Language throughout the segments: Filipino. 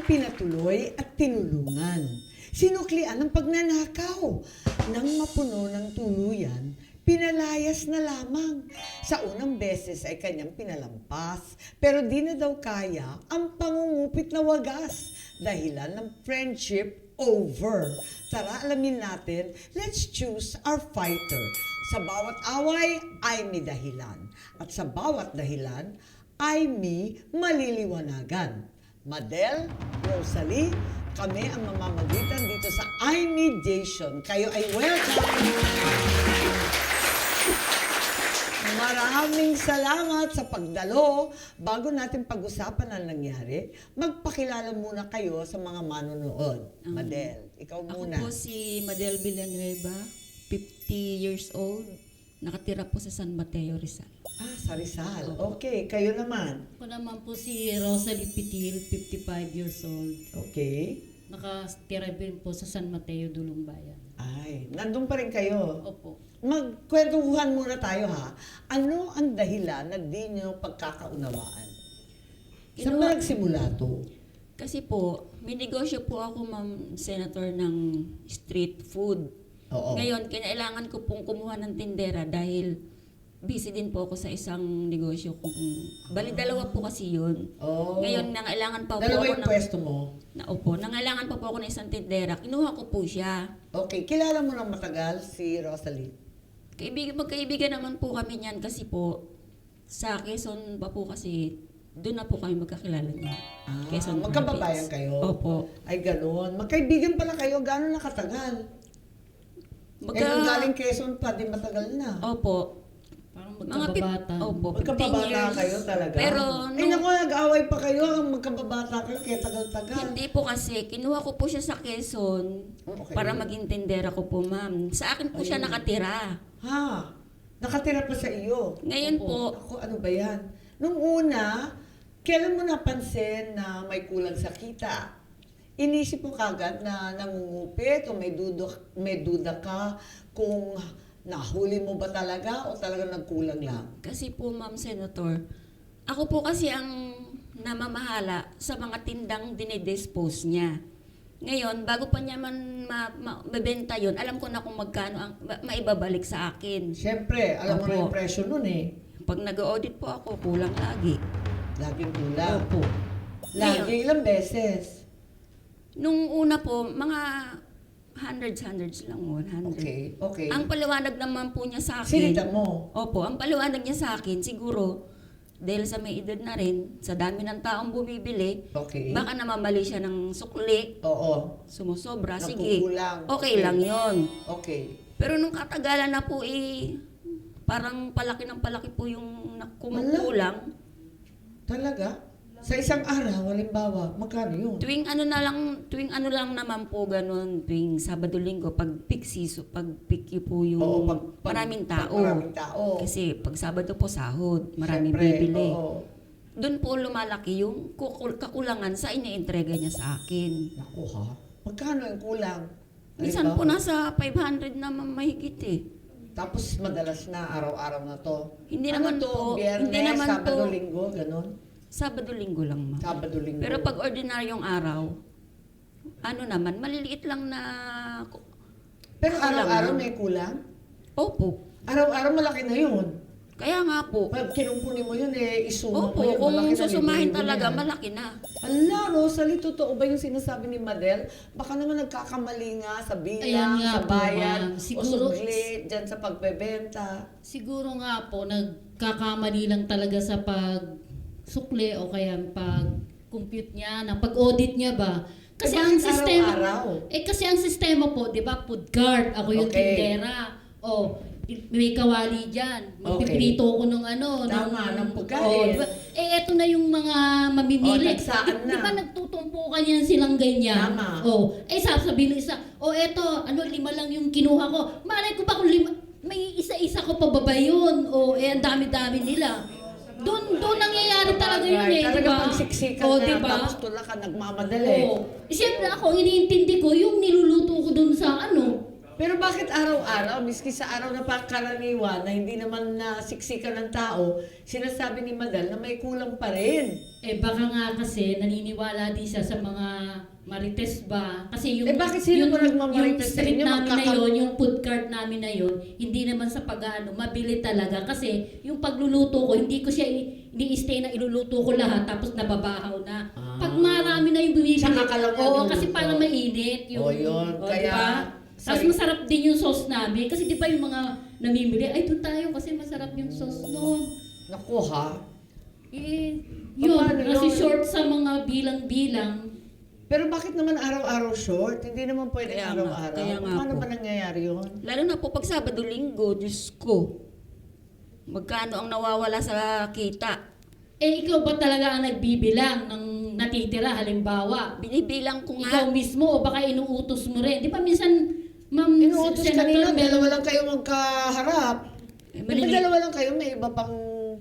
ipinatuloy at tinulungan. Sinuklian ang pagnanakaw. Nang mapuno ng tuluyan, pinalayas na lamang. Sa unang beses ay kanyang pinalampas, pero di na daw kaya ang pangungupit na wagas. Dahilan ng friendship over. Tara, alamin natin, let's choose our fighter. Sa bawat away ay may dahilan. At sa bawat dahilan ay may maliliwanagan. Madel, Rosalie, kami ang mamamagitan dito sa I-Mediation. Kayo ay welcome! Maraming salamat sa pagdalo. Bago natin pag-usapan ang nangyari, magpakilala muna kayo sa mga manonood. Madel, ikaw muna. Ako po si Madel Villanueva, 50 years old. Nakatira po sa San Mateo, Rizal. Ah, sa Rizal. Okay, kayo naman. Ako naman po si Rosalie Pitil, 55 years old. Okay. Nakatira din po sa San Mateo, Dulumbayan. Ay, nandun pa rin kayo. Opo. Magkwentuhan muna tayo ha. Ano ang dahilan na di nyo pagkakaunawaan? Saan ba nagsimula to? Kasi po, may negosyo po ako, Ma'am Senator, ng street food. Oo. Ngayon, kinailangan ko pong kumuha ng tindera dahil busy din po ako sa isang negosyo kong... Bali, dalawa po kasi yun. Oh. Ngayon, nangailangan pa po Dalawa ako yung pwesto mo? nangailangan pa po ako ng isang tindera. Kinuha ko po siya. Okay, kilala mo ng matagal si Rosalie? Magkaibigan naman po kami niyan kasi po sa Quezon pa po kasi doon na po kami magkakilala niya. Quezon magkababayan Province. kayo? Opo. Ay, gano'n. Magkaibigan pala kayo. Gano'n nakatagal? Kung galing Quezon pa, di matagal na. Opo. Parang Mga magkababata. Opo, 15 Magkababata years. kayo talaga? Pero Ay, naku, nag-away pa kayo. Magkababata kayo, kaya tagal-tagal. hindi po kasi, kinuha ko po siya sa Quezon Okay. para maging tindera ko po, ma'am. Sa akin po siya nakatira. Ha? Nakatira pa sa iyo? Ngayon po, Ako, ano ba yan? Nung una, kailan mo napansin na may kulang sa kita? Inisip mo kagad na nangungupit o may duda ka kung nahuli mo ba talaga o talaga nagkulang lang? kasi po, ma'am Senator, ako po kasi ang namamahala sa mga tindang dinidispose niya. Ngayon, bago pa niya man mabenta yun, alam ko na kung magkano ang maibabalik sa akin. Siyempre, alam mo na Opo. yung presyo nun eh. Pag nag-audit po ako, kulang lagi. Laging kulang. Opo. Lagi, ilang beses? Nung una po, mga hundreds lang, 100. Okay, okay. Ang paliwanag naman po niya sa akin. Sinita mo? Opo, ang paliwanag niya sa akin, siguro, dahil sa may edad na rin, sa dami ng taong bumibili, Okay. baka namamali siya ng sukli, Oo. sumusobra, sige. Nakukulang. Okay lang yon. Okay. Pero nung katagalan na po parang palaki ng palaki po yung kumukulang. Talaga? Sa isang araw, halimbawa, magkano yun? Tuwing ano lang naman po ganun, tuwing Sabado-Linggo, pag peak season, pag peak po yung Oo, maraming tao. maraming tao. Kasi pag Sabado po sahod, maraming Siyempre, bibili. oo. Doon po lumalaki yung kakulangan sa iniintrega niya sa akin. Naku ha? Magkano yung kulang? Minsan po Halimbawa, nasa 500 na mahigit eh. Tapos madalas na araw-araw na to. Hindi Ano naman to? po, Biyernes, hindi naman Sabado, po. Linggo, ganun? Sabado-Linggo lang, ma'am. Sabado, Linggo. Pero pag ordinaryong araw, ano naman, maliliit lang na... Pero kulang araw-araw lang. may kulang? Opo. Araw-araw malaki na yun. Kaya nga po. Pag kinumpuni mo yun, isuma Opo, mo yun. kung malaki na, susumahin libo-libo talaga, na yan. malaki na. Ala, Rosalie, totoo ba yung sinasabi ni Madel? Baka naman nagkakamali nga sa bilang, Ayan nga sa po, bayan, ma'am. o Siguro- sugli, dyan sa pagbebenta. Siguro nga po, nagkakamali lang talaga sa pagsukli o kaya pag-compute niya, na pag-audit niya ba. Kasi ang bakit sistema, araw-araw? kasi ang sistema po, di ba, food cart, ako yung Okay. tindera. O, may kawali dyan. Okay. Magpiprito ko ng Tama, ng pagkain. diba? Eto na yung mga mamimili. nagsaan na. Di ba nagtutumpukan yan silang ganyan? Tama. Sasabihin ng isa, eto, 5 lang yung kinuha ko. Malay ko ba kung 5, may isa-isa ko pa ba yun? Ang dami-dami nila. Doon nangyayari talaga yun eh, di Talaga ba? pagsiksikan na, diba? tapos tulak ka nagmamadali. Siyempre ako, iniintindi ko yung niluluto ko doon sa Pero bakit araw-araw, miski sa araw na pangkaraniwan, na hindi naman nasiksikan ng tao, sinasabi ni Madal na may kulang pa rin? Eh baka nga kasi naniniwala din siya sa mga marites ba? Kasi yung Bakit sino po nagmamarites sa street inyo? namin na yun, yung food cart namin na yun, hindi naman sa pag-ano, mabili talaga. Kasi yung pagluluto ko, hindi ko siya ini-stay na iluluto ko lahat tapos nababahaw na. Pag marami na yung bumibili, Saka ka lang oo, niluluto. kasi parang mainit. Yun. Oo, Kaya, diba? Tapos masarap din yung sauce namin. Kasi di ba yung mga namimili, ay doon tayo kasi masarap yung sauce noon. naku ha. Eh, yun, Paano kasi yun? short sa mga bilang-bilang. Pero bakit naman araw-araw short? Hindi naman pwede Kaya nga, araw-araw. kaya nga Paano po. ba nangyayari yun? Lalo na po pag Sabado-Linggo, Diyos ko. Magkano ang nawawala sa kita? Eh, ikaw ba talaga ang nagbibilang ng natitira, halimbawa? Binibilang ko Ikaw nga. mismo o baka inuutos mo rin? Di ba minsan, Ma'am Inuutos kanina, Senator, dalawa lang kayo magkaharap. Eh, Di ba dalawa lang kayo? May iba pang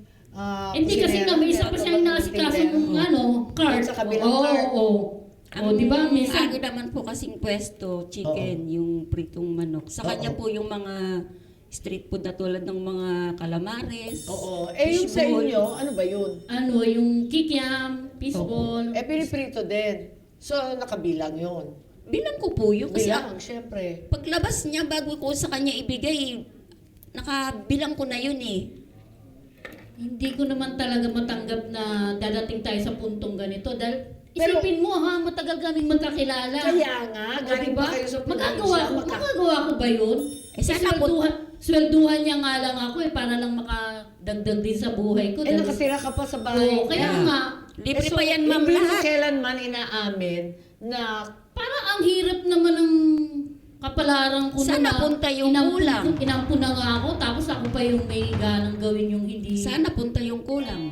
Hindi kasi nga, may isa pa siyang nasikaso ng cart. Sa kabilang Oo, cart. oo. O, di ba, Ang minsan, akin naman po kasing pwesto, chicken, yung pritong manok. Sa kanya Oo. po yung mga street food na tulad ng mga calamares. Oo. Yung sa fishball. inyo, ano ba yun? yung kikiam, fishball. Piniprito din. So, nakabilang yun. Bilang ko po yun kasi Bilang, syempre. paglabas niya bago ko sa kanya ibigay, nakabilang ko na yun eh. Hindi ko naman talaga matanggap na dadating tayo sa puntong ganito. Dahil Pero- isipin mo ha, matagal kaming magkakilala. Kaya nga, O, galing diba? pa kayo sa Magagawa ko ba yun? Eh, sana po- Swelduhan niya nga lang ako para lang makadagdag din sa buhay ko. Dahil- nakatira ka pa sa bahay. Oo, kaya Yeah. nga, Libre pa yan, ma'am, hindi mo lahat. kailanman inaamin na parang ang hirap naman ng kapalaran ko Sana na punta yung kulang. Inampun na nga ako, tapos ako pa yung may ganang gawin yung hindi. Sana punta yung kulang.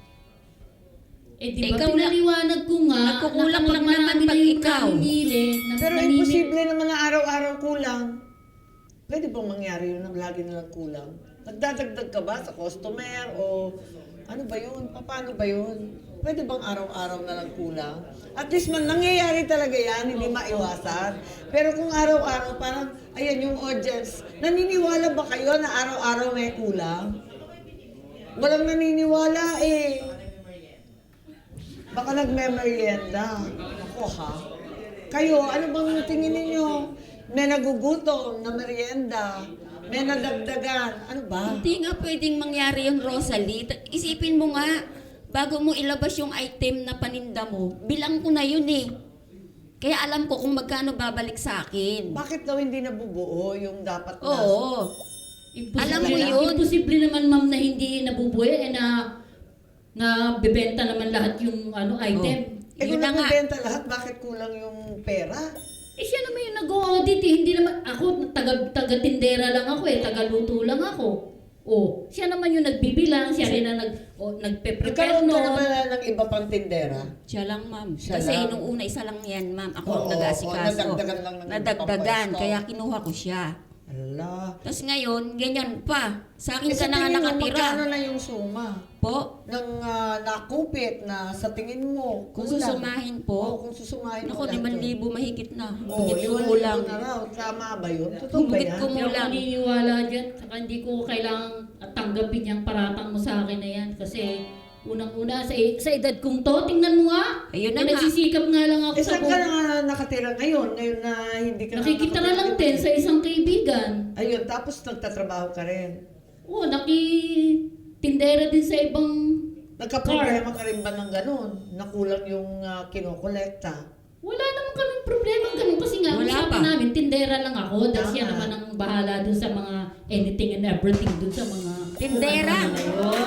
Eh di ba, Ikaw na- pinaliwanag ko nga, Nagkukulang kapag lang naman marami pag na yung ikaw. namimili, pero namimili- imposible naman na araw-araw kulang. Pwede bang mangyari yun na lagi na lang kulang? Nagdadagdag ka ba sa customer o ano ba yun? Paano ba yun? Pwede bang araw-araw na lang kulang? At least man, nangyayari talaga yan, hindi maiwasan. Pero kung araw-araw, parang, ayan yung audience, naniniwala ba kayo na araw-araw may kulang? Walang naniniwala eh. Baka nagme-merienda. Ako ha? Kayo, ano bang tingin ninyo? May nagugutom na merienda, may nadagdagan, ano ba? Hindi nga pwedeng mangyari yung Rosalie. Isipin mo nga, bago mo ilabas yung item na paninda mo, bilang ko na yun eh. Kaya alam ko kung magkano babalik sa akin. Bakit daw hindi nabubuo yung dapat na? Oo. Alam mo yun. Imposible naman ma'am na hindi nabubuhay na bebenta naman lahat yung item. Eh Yun kung na nga. nagbibenta lahat, bakit kulang yung pera? Eh siya naman yung nag-audit eh. Hindi naman, ako taga-tindera lang ako taga-luto lang ako. Oh, siya naman yung nagbibilang, siya rin ang nagpe-prepare Nagkaroon ka na nun. ba ng iba pang tindera? Siya lang, ma'am. Siya Kasi lang. nung una, isa lang yan, ma'am. Ako ang Oo, nag-asikaso. nadagdagan lang ng Nadagdagan, pampasto. kaya kinuha ko siya. Ala. Tapos ngayon, ganyan pa. Sa akin Eh, ka na nga tingin mo, nakatira. magkano na yung suma? Po, Ng nakupit na sa tingin mo? kung kulang? susumahin Oo, po, kung susumahin naku, lahat yun. 5,000 mahigit na. Oo, Higit 5,000 kumulang. na raw. Tama ba yun? Totoo ba Higit yan? kumulang. Hindi ako naniniwala dyan. Saka hindi ko kailangang tanggapin yung paratang mo sa akin na yan. Kasi unang-una, sa edad kong to, tingnan mo nga. Ayun na Eh, nga. nagsisikap nga lang ako Eh, sa saan ka na nakatira ngayon? Ngayon na hindi ka nakikita na nakatira lang dito? din sa isang kaibigan. Ayun, tapos nagtatrabaho ka rin. Oo, nakitindera din sa ibang Nagka-problema ka rin ba ng ganun? Nakulang yung kinokolekta? wala naman kaming problema ganun kasi nga Wala usapan pa. namin, tindera lang ako dahil Tama. siya naman ang bahala dun sa mga anything and everything dun sa mga Tindera. ano na yun.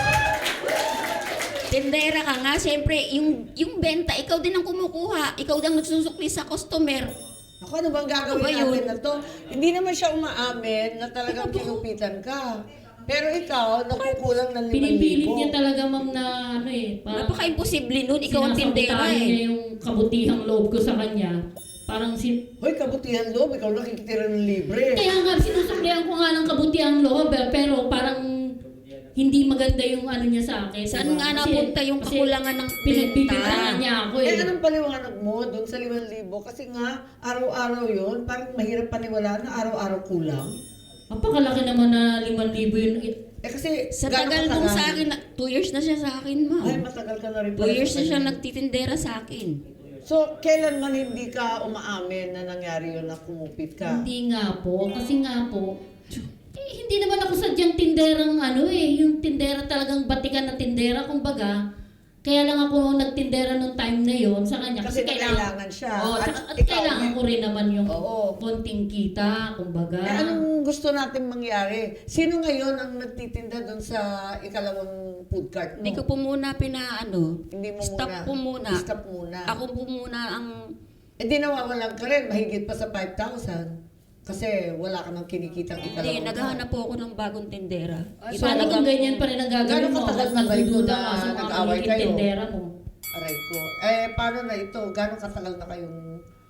Tindera ka nga, siyempre, yung benta, ikaw din ang kumukuha. Ikaw din ang nagsusukli sa customer. Ako, ano bang gagawin Ano ba yun? natin na to? Hindi naman siya umaamin na talagang kinupitan ka. Pero ikaw, nakukulang ng 5,000. Pinipilit niya talaga ma'am na parang Napaka-imposible nun, ikaw ang tindera sinasabotahan niya eh. yung kabutihang loob ko sa kanya. Parang Hoy, kabutihan loob, ikaw nakikitira ng libre. kaya nga sinusuklihan ko nga ng kabutihang loob pero parang hindi maganda yung ano niya sa akin. Saan diba? nga Kasi- napunta yung kasi kakulangan ng pinagbibintangan benta? niya ako Eh, eh. anong paliwanag mo doon sa 5,000? Kasi nga, araw-araw yun, parang mahirap paniwalaan na araw-araw kulang. Napakalaki naman na 5,000 yun. Eh kasi, Sa gaano tagal katagal? nung sa akin, 2 years na siya sa akin, Ay, ma'am. matagal ka na rin 2 years sa na siya kanya. nagtitindera sa akin. So, kailan man hindi ka umaamin na nangyari yun na kumupit ka? Hindi nga po. Kasi nga po, hindi naman ako sadyang tinderang ano eh. Yung tindera talagang batikan na tindera, kumbaga. Kaya lang ako nagtindera nung time na yon sa kanya. Kasi kailangan siya. Oo, At at ikaw, kailangan ko rin naman yung Oo. konting kita, kumbaga. Eh, anong gusto natin mangyari? Sino ngayon ang nagtitinda doon sa ikalawang food cart mo? Hindi ko po muna pinaano. Hindi mo Stop muna. po muna. Stop muna. Ako po muna ang... Eh di nawawalan ka rin, mahigit pa sa 5,000. Kasi wala ka nang kinikitang Hindi, ikalawang naghahanap po ako ng bagong tindera. Ay, Iba Paano kung talagang- ganyan pa rin ang gagawin Gano'ng mo? katagal na ba ito Nagdududa na ka sa mga nag-away magiging kayo? tindera mo. Aray ko. Eh, paano na ito? Gano'ng katagal na kayong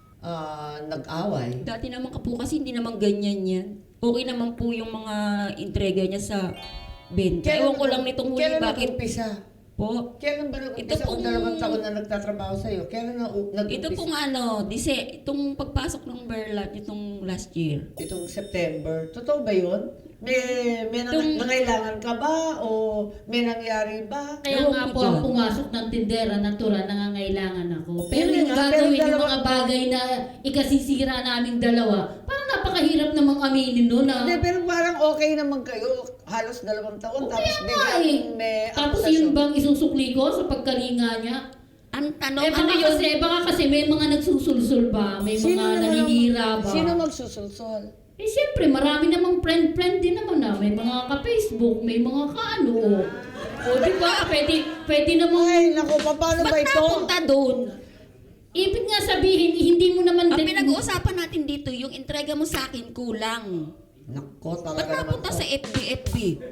nag-away? Dati naman ka po kasi hindi naman ganyan yan. Okay naman po yung mga entrega niya sa benta. Ewan ko lang nitong huli Kailan bakit nag-umpisa? po. Kailan ba nag-umpisa? Ito Kung pong- 2 taon na nagtatrabaho sa'yo, kailan nag-umpisa? Ito pong itong pagpasok ng Berlat itong last year. Itong September. Totoo ba yun? May Itong- nangailangan ka ba? O may nangyari ba? Kaya Ewan nga ko po dyan. ang pumasok ng tindera, natural, nangangailangan ako. Pero Yun yung nga, gagawin pero yung mga bagay na ikasisira naming dalawa, parang napakahirap namang aminin no na. Hindi, pero parang okay naman kayo. Halos 2 taon. Tapos Kaya nga biglang may Tapos akusasyon. yun bang isusukli ko sa pagkalinga niya? Ang tanong, Eh ano yun? baka kasi may mga nagsusulsul ba? May mga naninira ba? Sino magsusulsol? Eh siyempre, marami namang friend din naman na. May mga ka-Facebook, may mga ka-ano. O di ba? Pwede namang... Ay, naku, paano ba Ba't ito? napunta doon? Ibig nga sabihin, hindi mo naman... Ang pinag-uusapan natin dito, yung entrega mo sa akin kulang. Nako, Ba't talaga naman napunta to. sa FB?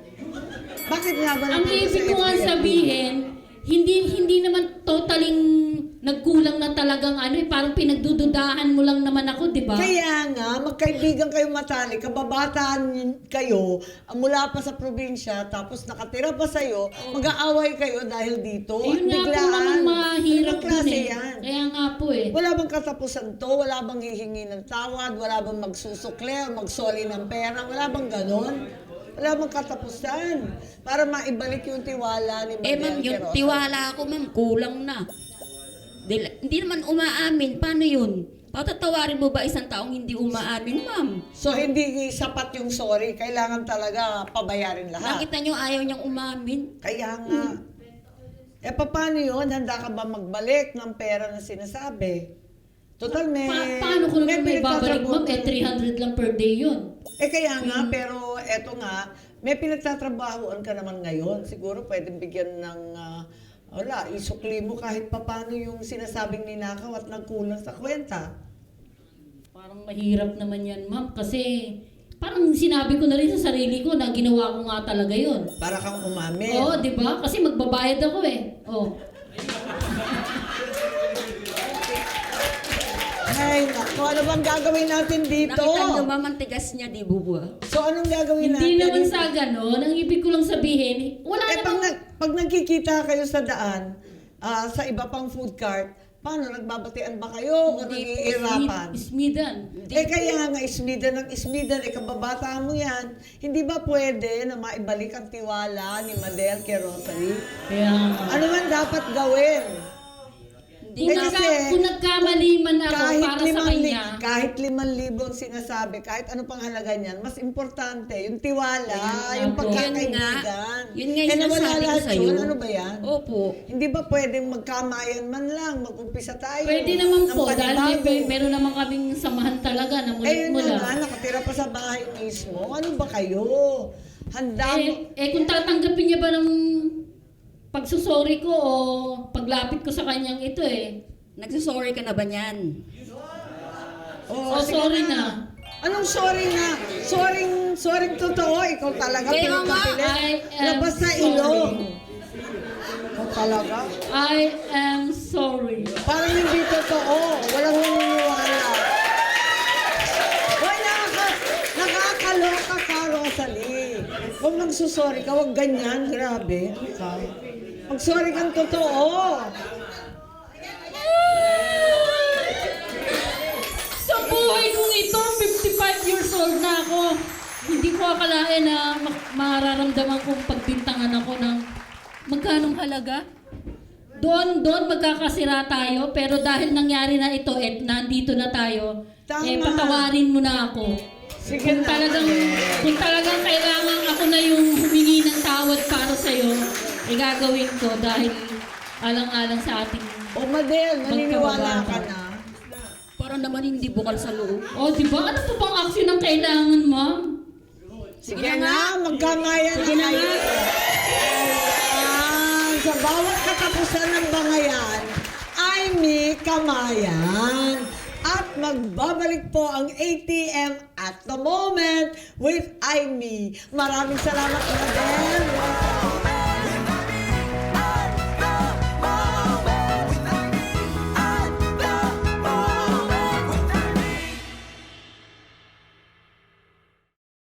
Bakit nga ba Ang napunta ibig sa ko nga FB? sabihin, hindi naman totaling nagkulang na talagang ano eh, parang pinagdududahan mo lang naman ako, di ba? Kaya nga, magkaibigan kayo matalik, kababataan kayo, mula pa sa probinsya, tapos nakatira pa sa'yo, mag-aaway kayo dahil dito. Eh, yun nga po naman mahirap Anong klase dun eh. yan? Kaya nga po eh. Wala bang katapusan to? Wala bang hihingi ng tawad? Wala bang magsusukle o magsoli ng pera? Wala bang ganon? Wala bang katapusan? Para maibalik yung tiwala ni Eh ma'am, Madel yung Querosa. tiwala ko ma'am, kulang na. Hindi naman umaamin. Paano yun? Patatawarin mo ba isang taong hindi umaamin, ma'am? So, hindi sapat yung sorry. Kailangan talaga pabayarin lahat. Nakita nyo ayaw niyang umamin? Kaya nga. Eh, paano yun? Handa ka ba magbalik ng pera na sinasabi? Total, Paano ko naman may babalik, pinagtatrabuhan ma'am? Eh, 300 lang per day yun. Eh, kaya nga, pero eto nga, may pinagtatrabahoan ka naman ngayon. Siguro pwedeng bigyan ng, wala, isukli mo kahit papano yung sinasabing ninakaw at nagkulang sa kwenta. Parang mahirap naman yan, ma'am. Kasi parang sinabi ko na rin sa sarili ko na ginawa ko nga talaga yun. Para kang umamin. Oo, di ba? Kasi magbabayad ako eh. Oh. Ay, naku, ano bang gagawin natin dito? Nakita nyo ma'am, ang tigas niya, di buba? So, anong gagawin Hindi natin? naman sa ganon. Ang ibig ko lang sabihin, wala Eh, namang... pag nagkikita kayo sa daan, sa iba pang food cart, paano, nagbabatian ba kayo o nag-iirapan? Ismidan. Eh, kaya nga, ismidan, kababata mo yan. Hindi ba pwede na maibalik ang tiwala ni Madel Querosa? Kaya nga. Ano man dapat gawin? Hindi Eh, na. kasi, Kung nagkamali man ako para sa kanya, kahit 5,000 ang sinasabi, kahit ano pang halaga niyan, mas importante, yung tiwala, Ayun yung nga po. pagkakaibigan. Yun nga yung Eh, nawala sinasabi ko lahat sa'yo. yun. Ano ba yan? Opo. Hindi ba pwedeng magkamayan man lang, mag-umpisa tayo? pwede naman ng po. Dahil panibago? meron naman kaming samahan talaga na Eh, yun na nga, mulit-mula. nakatira pa sa bahay mismo. Ano ba kayo? Handa mo? Kung tatanggapin niya ba ng pagsusorry ko o paglapit ko sa kanyang ito eh. Nagsusorry ka na ba niyan? Oh, Oh, sige sorry na. Anong sorry na? Sorry totoo. Ikaw talaga Kaya nga, pinagpapilit. I am Labas sa sorry. ilong. Ikaw talaga. I am sorry. Parang hindi totoo. Walang naniniwala. Hoy, nakakaloka ka, Rosalie. Kung magsusorry ka, huwag ganyan. Grabe. Ikaw. Mag-sorry kang totoo. Sa buhay kong ito, 55 years old na ako. Hindi ko akalain na mararamdaman kong pagbintangan ako ng magkanong halaga. Doon magkakasira tayo, pero dahil nangyari na ito at nandito na tayo, Tama. patawarin mo na ako. Sige Kung na. talagang kailangan ako na yung humingi ng tawad para sa'yo, gagawin ko dahil alang-alang sa ating... O Madel, naniniwala ka na. Para naman hindi bukal sa loob. O, di ba? Ano pa bang action ang kailangan, ma'am? Sige na, magkamayan na kayo. Ayan. Sa bawat katapusan ng bangayan, ay may kamayan. At magbabalik po ang ATM at the moment with Aimee. Maraming salamat, Madel.